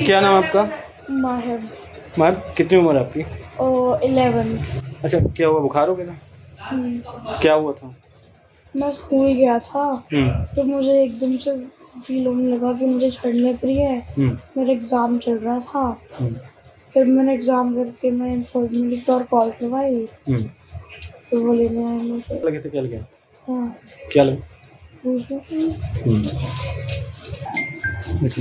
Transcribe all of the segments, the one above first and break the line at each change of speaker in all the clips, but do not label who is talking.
क्या नाम है आपका?
माहिब।
मैम कितनी उम्र है आपकी?
11।
अच्छा, क्या हुआ, बुखार हो गया था? क्या हुआ था?
मैं स्कूल गया था
हम्म
तो मुझे एकदम से फील होने लगा कि मुझे ठंड लग रही है।
हम्म
मेरा एग्ज़ाम चल रहा था।
हम्म
फिर मैंने एग्ज़ाम करके मैं इन्फॉर्मेटिव और कॉल करवाई
हम्म।
तो वो लेने आए मुझे।
लगे थे, क्या लगे?
हाँ,
क्या लगे?
पूछो।
देखिए।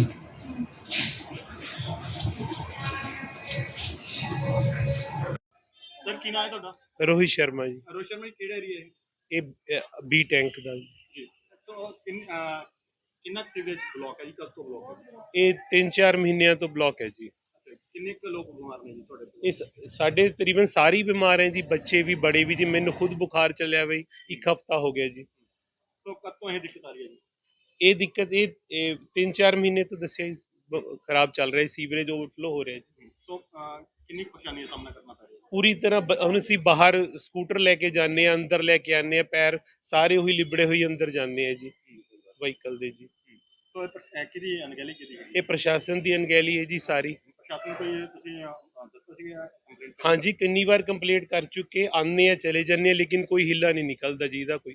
ਸਰ ਕੀ ਨਾਮ ਹੈ ਤੁਹਾਡਾ?
ਰੋਹਿਤ ਸ਼ਰਮਾ ਜੀ।
ਰੋਹਿਤ ਸ਼ਰਮਾ ਜੀ, ਕਿਹੜਾ ਏਰੀਆ ਹੈ
ਇਹ ਬੀ ਟੈਂਕ ਦਾ ਜੀ।
ਜੀ? ਸੋ ਕਿੰਨਾ ਸੀਵਰੇਜ ਬਲੌਕ ਹੈ ਜੀ? ਕਦ ਤੋਂ ਬਲੌਕ ਹੈ?
ਇਹ 3-4 ਮਹੀਨਿਆਂ ਤੋਂ ਬਲੌਕ ਹੈ ਜੀ।
ਅੱਛਾ, ਕਿੰਨੇ ਕੁ ਲੋਕ ਬਿਮਾਰ ਨੇ ਜੀ ਤੁਹਾਡੇ ਤੋਂ?
ਇਸ ਸਾਡੇ ਤਕਰੀਬਨ ਸਾਰੇ ਹੀ ਬਿਮਾਰ ਹੈ ਜੀ, ਬੱਚੇ ਵੀ ਬੜੇ ਵੀ ਜੀ। ਮੈਨੂੰ ਖੁਦ ਬੁਖਾਰ ਚੱਲਿਆ ਬਈ 1 ਹਫ਼ਤਾ ਹੋ ਗਿਆ ਜੀ।
ਸੋ ਕਦ ਤੋਂ ਇਹ ਦਿੱਕਤ ਆ ਰਹੀ ਹੈ ਜੀ?
ਇਹ ਦਿੱਕਤ ਇਹ 3-4 ਮਹੀਨੇ ਤੋਂ ਦੱਸਿਆ ਜੀ ਖਰਾਬ ਚੱਲ ਰਿਹਾ, ਸੀਵਰੇਜ ਓਵਰਫਲੋ ਹੋ ਰਿਹਾ ਜੀ।
ਸੋ ਕਿੰਨੀ ਪਰੇਸ਼ਾਨੀ ਦਾ ਸਾਹਮਣਾ ਕਰਨਾ ਪੈ ਰਿਹਾ ਹੈ?
ਪੂਰੀ ਤਰ੍ਹਾਂ ਹੁਣ ਅਸੀਂ ਬਾਹਰ ਸਕੂਟਰ ਲੈ ਕੇ ਜਾਂਦੇ ਹਾਂ, ਅੰਦਰ ਲੈ ਕੇ ਆਉਂਦੇ ਹਾਂ, ਪੈਰ ਸਾਰੇ ਉਹੀ ਲਿਬੜੇ ਹੋਈ ਅੰਦਰ ਜਾਂਦੇ ਆ ਜੀ ਵਹੀਕਲ ਦੇ ਜੀ।
ਸੋ ਇਹ ਕਿਹਦੀ ਅਣਗਹਿਲੀ ਕੀਤੀ ਗਈ?
ਇਹ ਪ੍ਰਸ਼ਾਸਨ ਦੀ ਅਣਗਹਿਲੀ ਹੈ ਜੀ ਸਾਰੀ।
ਪ੍ਰਸ਼ਾਸਨ ਕੋਈ ਤੁਸੀਂ ਦੱਸੋ ਸੀ ਕੰਪਲੇਂਟ?
ਹਾਂਜੀ, ਕਿੰਨੀ ਵਾਰ ਕੰਪਲੀਟ ਕਰ ਚੁੱਕੇ, ਆਉਂਦੇ ਆ ਚਲੇ ਜਾਂਦੇ ਆ, ਲੇਕਿਨ ਕੋਈ ਹਿੱਲਾ ਨਹੀਂ ਨਿਕਲਦਾ ਜੀ ਇਹਦਾ ਕੋਈ।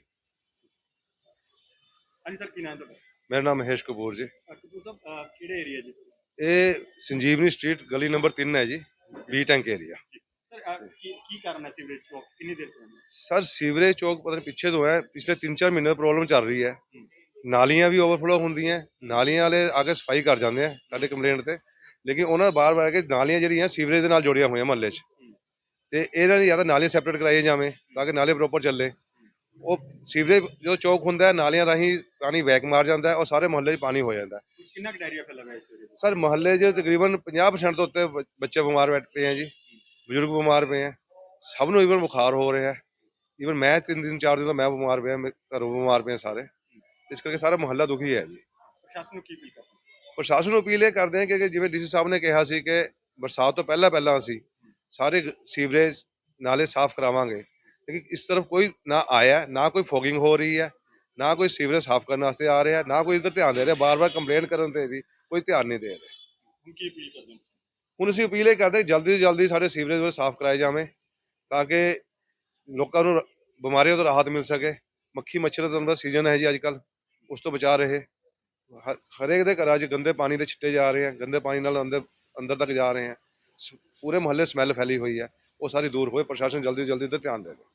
ਹਾਂਜੀ ਸਰ, ਕੀ ਨਾਮ ਹੈ ਤੁਹਾਡਾ?
मेरा नाम महेश कपूर जी।
ਕਪੂਰ ਸਾਹਿਬ, ਕਿਹੜੇ ਏਰੀਆ ਜੀ?
ये संजीवनी स्ट्रीट गली नंबर 3 है जी, बी टैंक एरिया।
ਸਰ ਕੀ ਕਾਰਨ ਹੈ ਸੀਵਰੇਜ ਬਲੌਕ ਕਿੰਨੀ ਦੇਰ ਤੋਂ?
सर सीवरेज चौक पता नहीं पिछे तो है, पिछले 3-4 महीने प्रॉब्लम चल रही है। नालियां भी ओवरफ्लो होंदियां, नालियां वाले आके सफाई कर जाते हैं साडे कंप्लेंट ते, लेकिन उन्होंने बार बार के नालियां ਜਿਹੜੀਆਂ ਸੀਵਰੇਜ ਦੇ ਨਾਲ ਜੁੜੀਆਂ ਹੋਈਆਂ ਮਹੱਲੇ 'ਚ, ਤੇ ਇਹਨਾਂ ਦੀ ਜਾਂ ਤਾਂ ਨਾਲੀਆਂ ਸੈਪਰੇਟ ਕਰਾਈਆਂ ਜਾਵੇਂ ਤਾਂ ਕਿ ਨਾਲੇ ਪ੍ਰੋਪਰ ਚੱਲੇ। ਉਹ ਸੀਵਰੇਜ ਜੋ ਚੌਕ ਹੁੰਦਾ ਹੈ, ਨਾਲੀਆਂ ਰਾਹੀਂ ਪਾਣੀ ਬੈਕ ਮਾਰ ਜਾਂਦਾ ਹੈ ਔਰ ਸਾਰੇ ਮੁਹੱਲੇ 'ਚ ਪਾਣੀ ਹੋ ਜਾਂਦਾ ਹੈ।
ਕਿੰਨਾ ਡਾਇਰੀਆ ਫੈਲਾ ਹੋਇਆ ਇਸ ਏਰੀਆ ਵਿੱਚ?
ਸਰ ਮੁਹੱਲੇ 'ਚ ਤਕਰੀਬਨ 50% ਤੋਂ ਉੱਤੇ ਬੱਚੇ ਬਿਮਾਰ ਬੈਠ ਪਏ ਹੈ ਜੀ, ਬਜ਼ੁਰਗ ਬਿਮਾਰ ਪਏ ਹੈ, ਸਭ ਨੂੰ ਈਵਨ ਬੁਖਾਰ ਹੋ ਰਿਹਾ ਹੈ। ਈਵਨ ਮੈਂ 3-4 ਦਿਨ ਤੋਂ ਮੈਂ ਬਿਮਾਰ ਪਿਆ, ਘਰੋਂ ਬਿਮਾਰ ਪਏ ਸਾਰੇ, ਇਸ ਕਰਕੇ ਸਾਰਾ ਮੁਹੱਲਾ ਦੁਖੀ ਹੈ ਜੀ।
ਪ੍ਰਸ਼ਾਸਨ ਨੂੰ ਕੀ ਅਪੀਲ ਕਰਦੇ?
ਪ੍ਰਸ਼ਾਸਨ ਨੂੰ ਅਪੀਲ ਇਹ ਕਰਦੇ ਹਾਂ ਕਿ ਜਿਵੇਂ ਡੀਸੀ ਸਾਹਿਬ ਨੇ ਕਿਹਾ ਸੀ ਕਿ ਬਰਸਾਤ ਤੋਂ ਪਹਿਲਾਂ ਅਸੀਂ ਸਾਰੇ ਸੀਵਰੇਜ ਨਾਲੇ ਸਾਫ਼ ਕਰਾਵਾਂਗੇ, ਲੇਕਿਨ ਇਸ ਤਰਫ ਕੋਈ ਨਾ ਆਇਆ, ਨਾ ਕੋਈ ਫੋਗਿੰਗ ਹੋ ਰਹੀ ਹੈ, ਨਾ ਕੋਈ ਸੀਵਰੇਜ ਸਾਫ਼ ਕਰਨ ਵਾਸਤੇ ਆ ਰਿਹਾ, ਨਾ ਕੋਈ ਇੱਧਰ ਧਿਆਨ ਦੇ ਰਿਹਾ। ਬਾਰ-ਬਾਰ ਕੰਪਲੇਂਟ ਕਰਨ ਤੇ ਵੀ ਕੋਈ ਧਿਆਨ ਨਹੀਂ ਦੇ ਰਿਹਾ।
ਹੁਣ ਕੀ ਅਪੀਲ ਕਰਦੇ ਹੋ?
ਹੁਣ ਅਸੀਂ ਅਪੀਲ ਇਹ ਕਰਦੇ ਜਲਦੀ ਤੋਂ ਜਲਦੀ ਸਾਰੇ ਸੀਵਰੇਜ ਸਾਫ਼ ਕਰਾਏ ਜਾਵੇਂ ਤਾਂ ਕਿ ਲੋਕਾਂ ਨੂੰ ਬਿਮਾਰੀਆਂ ਤੋਂ ਰਾਹਤ ਮਿਲ ਸਕੇ। ਮੱਖੀ ਮੱਛਰ ਦਾ ਸੀਜ਼ਨ ਹੈ ਜੀ ਅੱਜ ਕੱਲ੍ਹ, ਉਸ ਤੋਂ ਬਚਾ ਰਹੇ। ਹਰੇਕ ਦੇ ਘਰਾਂ 'ਚ ਗੰਦੇ ਪਾਣੀ ਦੇ ਛਿੱਟੇ ਜਾ ਰਹੇ ਆ, ਗੰਦੇ ਪਾਣੀ ਨਾਲ ਅੰਦਰ ਤੱਕ ਜਾ ਰਹੇ ਆ, ਪੂਰੇ ਮੁਹੱਲੇ ਸਮੈਲ ਫੈਲੀ ਹੋਈ ਹੈ, ਉਹ ਸਾਰੀ ਦੂਰ ਹੋਏ। ਪ੍ਰਸ਼ਾਸਨ ਜਲਦੀ ਤੋਂ ਜਲਦੀ ਤੇ ਧਿਆਨ ਦੇਵੇ।